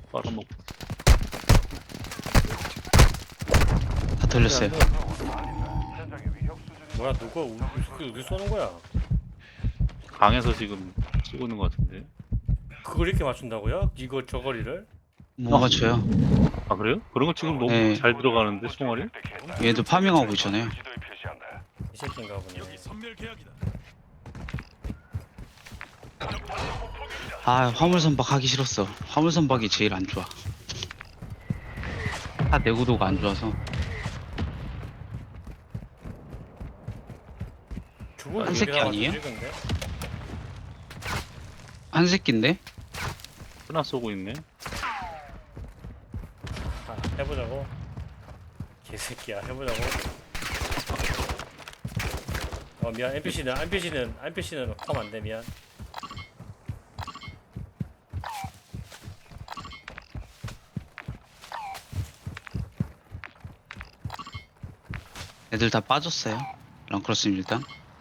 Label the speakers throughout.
Speaker 1: 빨아먹고.
Speaker 2: 다 털렸어요.
Speaker 3: 뭐야 누가 어디 쏘는 거야?
Speaker 1: 강에서 지금 쏘고 있는 것 같은데.
Speaker 3: 그걸 이렇게 맞춘다고요? 이거 저 거리를?
Speaker 2: 못 맞춰요.
Speaker 1: 아 그래요? 그런 거 지금 너무
Speaker 2: 네.
Speaker 1: 잘 들어가는데 총알이?
Speaker 2: 얘도 파밍하고 있잖아요.
Speaker 3: 이 새끼인가 보네.
Speaker 2: 아, 화물선박 하기 싫었어. 화물선박이 제일 안 좋아. 차 내구도가 안 좋아서.
Speaker 3: 죽은
Speaker 2: 한 새끼 아니에요?
Speaker 3: 찍은데?
Speaker 2: 한 새끼인데?
Speaker 1: 하나 쏘고 있네.
Speaker 3: 아, 해보자고. 개새끼야 해보자고. 미안 NPC는 하면 안돼 미안.
Speaker 2: 애들 다 빠졌어요. 랑크로스님 일단.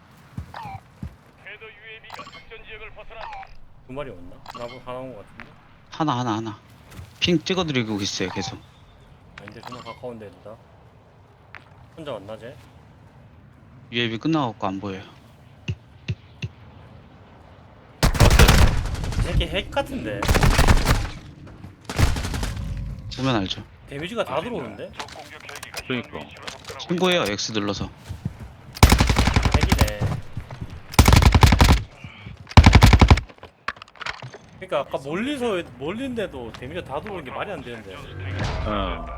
Speaker 3: 두 마리 왔나? 하나 온 거 같은데?
Speaker 2: 하나. 핑 찍어드리고 있어요, 계속.
Speaker 3: 아닌데 존나 가까운데 둘 다. 혼자 왔나 쟤?
Speaker 2: UAV 끝나갖고 안 보여요.
Speaker 3: 이 새끼 핵 같은데?
Speaker 2: 보면 알죠.
Speaker 3: 데미지가 다 들어오는데?
Speaker 1: 그러니까.
Speaker 2: 신고해요, X 눌러서.
Speaker 3: 핵이네. 그러니까 아까 멀린데도 데미지가 다 들어오는 게 말이 안 되는데.
Speaker 1: 어.